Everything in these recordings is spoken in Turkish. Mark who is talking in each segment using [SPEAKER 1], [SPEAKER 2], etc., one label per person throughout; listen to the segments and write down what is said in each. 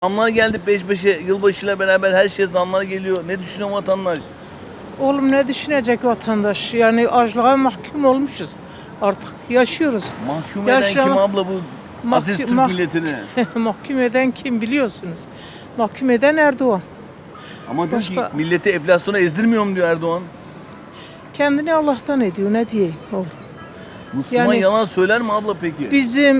[SPEAKER 1] Zamlar geldi peş peşe. Yılbaşıyla beraber her şeye zamlar geliyor. Ne düşünüyor vatandaş?
[SPEAKER 2] Oğlum ne düşünecek vatandaş? Yani açlığa mahkum olmuşuz. Artık yaşıyoruz.
[SPEAKER 1] Mahkum eden
[SPEAKER 2] Yaşama-
[SPEAKER 1] kim abla bu aziz Türk milletini?
[SPEAKER 2] Mahkum eden kim biliyorsunuz? Mahkum eden Erdoğan.
[SPEAKER 1] Ama diyor ki
[SPEAKER 2] Başka-
[SPEAKER 1] milleti enflasyona ezdirmiyorum diyor Erdoğan.
[SPEAKER 2] Kendini Allah'tan ediyor, ne diyeyim oğlum.
[SPEAKER 1] Müslüman
[SPEAKER 2] Yani-
[SPEAKER 1] yalan söyler mi abla peki?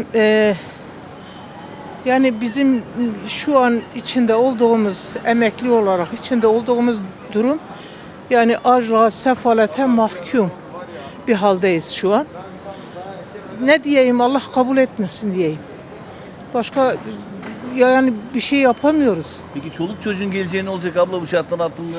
[SPEAKER 2] Bizim şu an içinde olduğumuz, emekli olarak içinde olduğumuz durum, yani açlığa, sefalete mahkum bir haldeyiz şu an. Ne diyeyim, Allah kabul etmesin diyeyim. Başka yani bir şey yapamıyoruz.
[SPEAKER 1] Peki çoluk çocuğun geleceği ne olacak abla bu şartlar altında?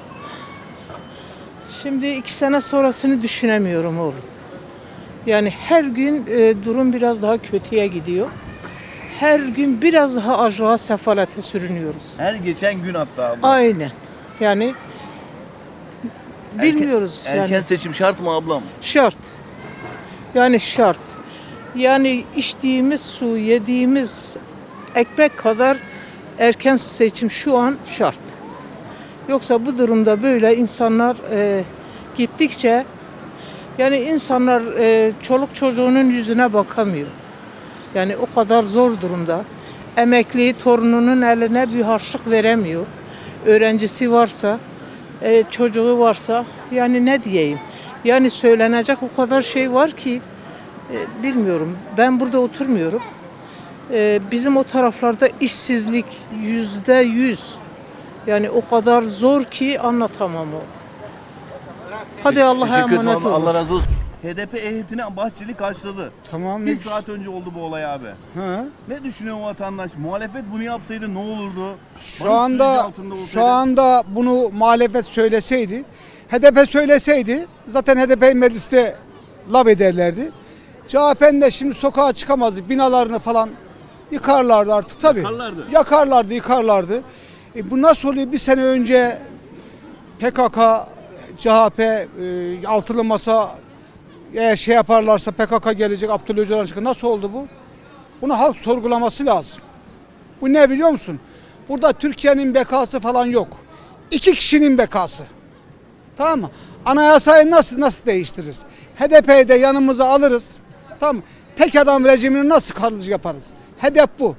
[SPEAKER 2] Şimdi 2 sene sonrasını düşünemiyorum oğlum. Yani her gün durum biraz daha kötüye gidiyor. Her gün biraz daha açlığa, sefalete sürünüyoruz.
[SPEAKER 1] Her geçen gün hatta abla.
[SPEAKER 2] Aynen. Yani bilmiyoruz
[SPEAKER 1] Erken
[SPEAKER 2] yani.
[SPEAKER 1] seçim şart mı ablam?
[SPEAKER 2] Şart. Yani şart. Yani içtiğimiz su, yediğimiz ekmek kadar erken seçim şu an şart. Yoksa bu durumda böyle insanlar gittikçe, yani insanlar çoluk çocuğunun yüzüne bakamıyor. Yani o kadar zor durumda. Emekli torununun eline bir harçlık veremiyor. Öğrencisi varsa, çocuğu varsa, yani ne diyeyim? Yani söylenecek o kadar şey var ki bilmiyorum. Ben burada oturmuyorum. Bizim o taraflarda işsizlik %100. Yani o kadar zor ki anlatamam o. Hadi Allah'a
[SPEAKER 1] Teşekkür ederim
[SPEAKER 2] emanet
[SPEAKER 1] abla. Allah
[SPEAKER 2] olun.
[SPEAKER 1] razı olsun. HDP heyetini Bahçeli karşıladı.
[SPEAKER 3] Tamam.
[SPEAKER 1] Bir saat önce oldu bu olay abi.
[SPEAKER 3] Ha.
[SPEAKER 1] Ne düşünüyor vatandaş? Muhalefet bunu yapsaydı ne olurdu?
[SPEAKER 3] Şu
[SPEAKER 1] Barış süreci
[SPEAKER 3] anda
[SPEAKER 1] altında olsaydı-
[SPEAKER 3] şu anda bunu muhalefet söyleseydi, HDP söyleseydi zaten HDP'yi mecliste lav ederlerdi. CHP'nin de şimdi sokağa çıkamazdı. Binalarını falan yıkarlardı artık tabii.
[SPEAKER 1] Yakarlardı.
[SPEAKER 3] Yıkarlardı. Bu nasıl oluyor? Bir sene önce PKK, CHP, altılı masa eğer şey yaparlarsa PKK gelecek, Abdullah Öcalan çıkacak. Nasıl oldu bu? Bunu halk sorgulaması lazım. Bu ne biliyor musun? Burada Türkiye'nin bekası falan yok. 2 kişinin bekası. Tamam mı? Anayasayı nasıl değiştiririz? HDP'yi de yanımıza alırız. Tamam mı? Tek adam rejimini nasıl kalıcı yaparız? Hedef bu.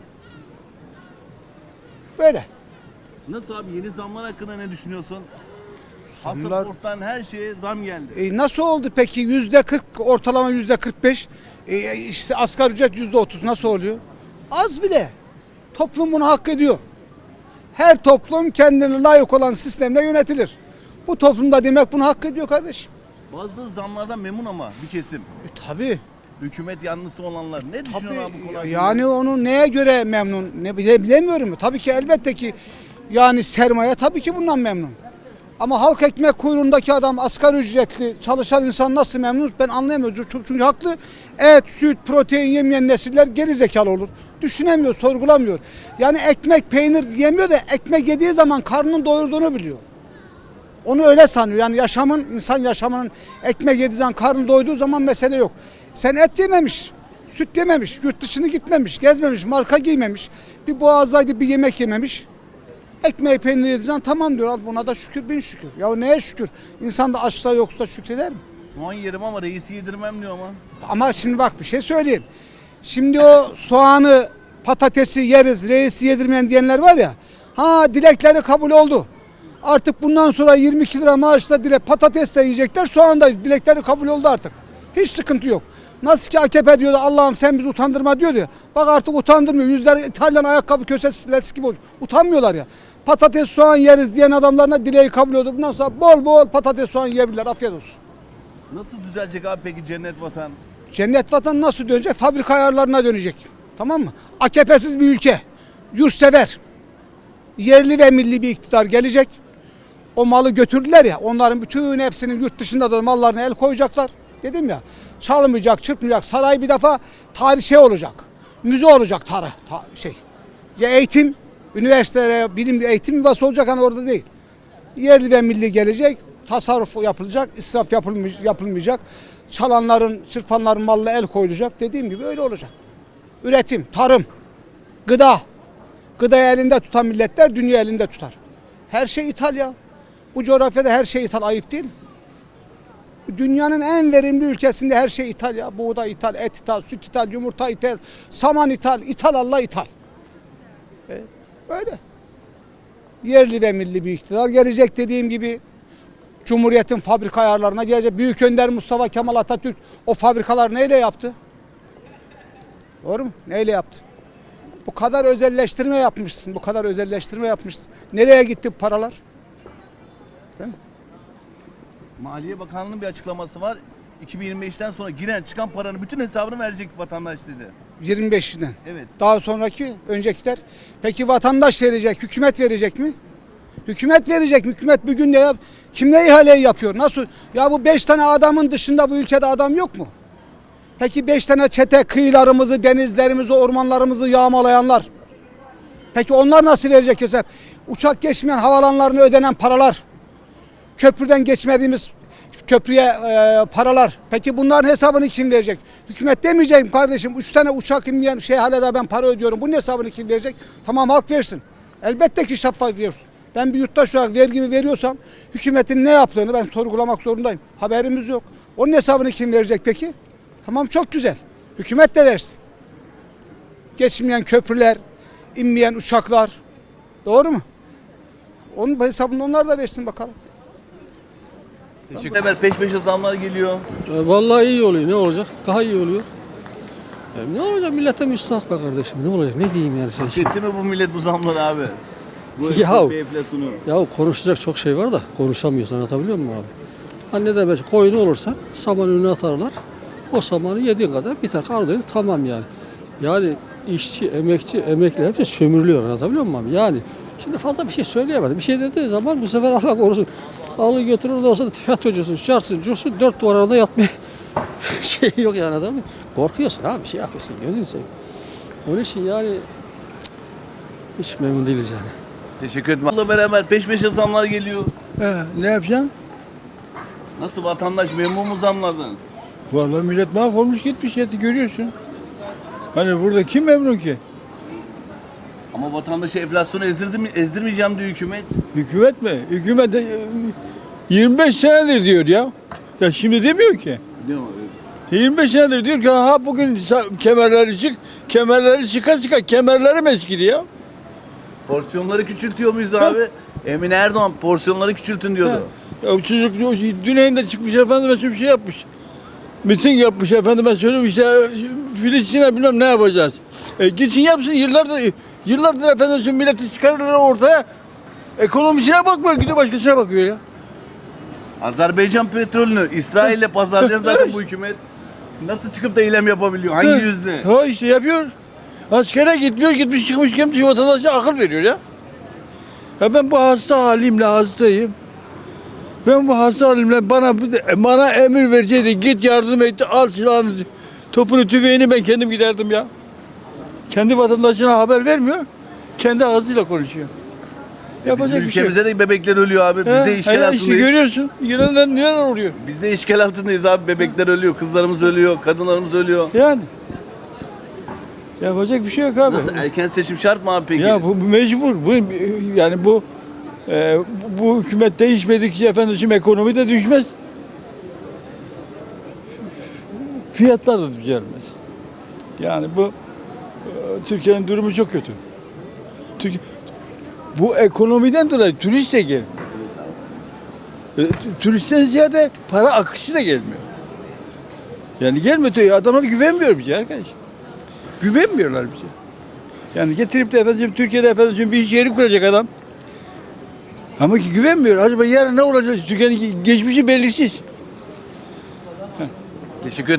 [SPEAKER 3] Böyle.
[SPEAKER 1] Nasıl abi yeni zamlar hakkında ne düşünüyorsun?
[SPEAKER 3] Zamlar-
[SPEAKER 1] Pasaporttan her şeye zam geldi.
[SPEAKER 3] Nasıl oldu peki? %40 ortalama %45. İşte asgari ücret %30 nasıl oluyor? Az bile. Toplum bunu hak ediyor. Her toplum kendine layık olan sistemle yönetilir. Bu toplumda demek bunu hak ediyor kardeşim.
[SPEAKER 1] Bazı zamlardan memnun ama bir kesim.
[SPEAKER 3] Tabii.
[SPEAKER 1] Hükümet yanlısı olanlar. Ne düşünüyor abi bu konu hakkında?
[SPEAKER 3] Yani onu neye göre memnun? Bilemiyorum. Tabii ki elbette ki yani sermaye tabii ki bundan memnun. Ama halk ekmek kuyruğundaki adam asgari ücretli çalışan insan nasıl memnun ben anlayamıyorum. Çünkü haklı. Et, süt, protein yemeyen nesiller geri zekalı olur. Düşünemiyor, sorgulamıyor. Yani ekmek, peynir yemiyor da ekmek yediği zaman karnının doyurduğunu biliyor. Onu öyle sanıyor. Yani insan yaşamının ekmek yediği zaman, karnı doyduğu zaman mesele yok. Sen et yememiş, süt yememiş, yurt dışına gitmemiş, gezmemiş, marka giymemiş, bir boğazdaydı bir yemek yememiş. Ekmeği peynir yediğin tamam diyor. Al buna da şükür bin şükür. Ya neye şükür? İnsan da açsa yoksa şükreder mi?
[SPEAKER 1] Soğan yerim ama reisi yedirmem diyor ama.
[SPEAKER 3] Ama şimdi bak bir şey söyleyeyim. Şimdi o soğanı, patatesi yeriz, reisi yedirmeyen diyenler var ya. Dilekleri kabul oldu. Artık bundan sonra 22 lira maaşla patates de yiyecekler, soğan da dilekleri kabul oldu artık. Hiç sıkıntı yok. Nasıl ki AKP diyordu Allah'ım sen bizi utandırma diyordu ya. Bak artık utandırmıyor. Yüzler İtalyan ayakkabı kösesi gibi olmuş. Utanmıyorlar ya. Patates soğan yeriz diyen adamlarına dileği kabul oldu. Bundan sonra bol bol patates soğan yiyebilirler. Afiyet olsun.
[SPEAKER 1] Nasıl düzelecek abi peki cennet vatan?
[SPEAKER 3] Cennet vatan nasıl dönecek? Fabrika ayarlarına dönecek. Tamam mı? AKP'siz bir ülke. Yurtsever. Yerli ve milli bir iktidar gelecek. O malı götürdüler ya. Onların bütün hepsinin yurt dışında da mallarına el koyacaklar. Dedim ya. Çalmayacak, çırpmayacak. Saray bir defa tarih olacak. Müze olacak Ya eğitim, üniversitelere bilim eğitim yuvası olacak hani orada değil. Yerli ve milli gelecek. Tasarruf yapılacak, israf yapılmayacak. Çalanların, çırpanların malına el koyulacak. Dediğim gibi öyle olacak. Üretim, tarım, gıda Gıdayı elinde tutan milletler dünya elinde tutar. Her şey ithal ya. Bu coğrafyada her şey ithal, ayıp değil mi? Dünyanın en verimli ülkesinde her şey ithal ya. Buğday ithal, et ithal, süt ithal, yumurta ithal, saman ithal, ithal Allah ithal. Öyle. Yerli ve milli bir iktidar gelecek dediğim gibi. Cumhuriyetin fabrika ayarlarına gelecek. Büyük Önder Mustafa Kemal Atatürk o fabrikalar neyle yaptı? Doğru mu? Neyle yaptı? Bu kadar özelleştirme yapmışsın. Bu kadar özelleştirme yapmışsın. Nereye gitti bu paralar? Değil mi?
[SPEAKER 1] Maliye Bakanlığı'nın bir açıklaması var. 2025'ten sonra giren çıkan paranın bütün hesabını verecek vatandaş dedi.
[SPEAKER 3] 25'inden.
[SPEAKER 1] Evet.
[SPEAKER 3] Daha sonraki öncekiler. Peki vatandaş verecek, hükümet verecek mi? Hükümet verecek mi? Hükümet bugün ne yap? Kimle ihaleyi yapıyor? Nasıl? Ya bu 5 tane adamın dışında bu ülkede adam yok mu? Peki 5 tane çete kıyılarımızı, denizlerimizi, ormanlarımızı yağmalayanlar. Peki onlar nasıl verecek hesap? Uçak geçmeyen havalanlarına ödenen paralar. Köprüden geçmediğimiz köprüye paralar. Peki bunların hesabını kim verecek? Hükümet demeyecek mi kardeşim? 3 tane uçak inmeyen hala da ben para ödüyorum. Bunun hesabını kim verecek? Tamam, halk versin. Elbette ki şeffaf veriyorsun. Ben bir yurttaş olarak vergimi veriyorsam hükümetin ne yaptığını ben sorgulamak zorundayım. Haberimiz yok. Onun hesabını kim verecek peki? Tamam, çok güzel. Hükümet de versin. Geçmeyen köprüler, inmeyen uçaklar. Doğru mu? Onun hesabını onlar da versin bakalım.
[SPEAKER 1] Teşekkür ederim. Peş peşe zamlar geliyor.
[SPEAKER 4] Vallahi iyi oluyor. Ne olacak? Daha iyi oluyor. Ne olacak? Millete müstahak be kardeşim. Ne olacak? Ne diyeyim yani sen şimdi?
[SPEAKER 1] Etti mi bu millet bu zamları abi? Bu
[SPEAKER 4] Ya-
[SPEAKER 1] enflasyonu.
[SPEAKER 4] Ya konuşacak çok şey var da konuşamıyorsun. Anlatabiliyor muyum abi? Hani ne demek? Koyun olursa saman önüne atarlar. O samanı yediğin kadar biter. Karnı tamam yani. Yani işçi, emekçi, emekli hepsi sömürülüyor. Anlatabiliyor muyum abi? Yani şimdi fazla bir şey söyleyemez. Bir şey dediği zaman bu sefer Allah korusun. Alır götürür de olsa tiyatrocusun, çarsın, cursun, 4 duvar arasında yatmaya şey yok yani, adam. Korkuyorsun abi, bir şey yapıyorsun, gözünü seveyim. Onun için yani hiç memnun değiliz yani.
[SPEAKER 1] Teşekkür ederim. Bununla beraber peş peşe zamlar geliyor.
[SPEAKER 5] Ne yapacaksın?
[SPEAKER 1] Nasıl, vatandaş memnun mu zamlardan?
[SPEAKER 5] Vallahi millet mahvolmuş gitmiş ya, görüyorsun. Hani burada kim memnun ki?
[SPEAKER 1] Ama vatandaşı enflasyonu ezdirmeyeceğim diyor hükümet.
[SPEAKER 5] Hükümet mi? Hükümet de 25 senedir diyor ya. Ya şimdi demiyor ki.
[SPEAKER 1] Biliyor musun?
[SPEAKER 5] 25 senedir diyor ki ha bugün kemerleri çık, kemerleri çıka kemerlerim eskidi ya.
[SPEAKER 1] Porsiyonları küçültüyor muyuz abi? Emine Erdoğan porsiyonları küçültün diyordu.
[SPEAKER 5] Ya o çocuk Düneyinde çıkmış efendime bir şey yapmış. Miting yapmış efendime söyleyeyim işte Filistin'e bilmem ne yapacağız. Gitsin yapsın, yıllardır efendim milleti çıkarırlar ortaya. Ekonomisine bakmıyor, gidiyor başkasına bakıyor ya.
[SPEAKER 1] Azerbaycan petrolünü İsrail'le pazarlayan zaten bu hükümet. Nasıl çıkıp da eylem yapabiliyor? Hangi yüzle?
[SPEAKER 5] Ha işte yapıyor. Askere gitmiyor, gitmiş çıkmış gelmiş vatandaşa akıl veriyor ya. Ya ben bu hasta halimle hastayım. Ben bu hasta halimle bana emir verseydi, git yardım et, al silahını, topunu, tüfeğini, ben kendim giderdim ya. Kendi vatandaşına haber vermiyor, kendi ağzıyla konuşuyor. Yapacak
[SPEAKER 1] Bizim
[SPEAKER 5] bir şey yok.
[SPEAKER 1] ülkemizde de bebekler ölüyor abi. Biz
[SPEAKER 5] Ha,
[SPEAKER 1] de işgal
[SPEAKER 5] işte
[SPEAKER 1] altındayız.
[SPEAKER 5] görüyorsun, neler oluyor.
[SPEAKER 1] Biz de işgal altındayız abi. Bebekler ölüyor, kızlarımız ölüyor, kadınlarımız ölüyor.
[SPEAKER 5] Yani. Yapacak bir şey yok abi.
[SPEAKER 1] Nasıl, erken seçim şart mı abi peki?
[SPEAKER 5] Ya bu mecbur. Yani bu hükümet değişmedikçe efendim ekonomi de düşmez. Fiyatlar da düzelmez. Yani Türkiye'nin durumu çok kötü. Bu ekonomiden dolayı turist de gelmiyor. Turistten ziyade para akışı da gelmiyor. Yani gelmiyor. Adamlar güvenmiyor bize arkadaş. Güvenmiyorlar bize. Yani getirip de efendim Türkiye'de efendim bir iş yeri kuracak adam. Ama ki güvenmiyor. Acaba yarın ne olacak? Türkiye'nin geçmişi belirsiz.
[SPEAKER 1] Teşekkür ederim.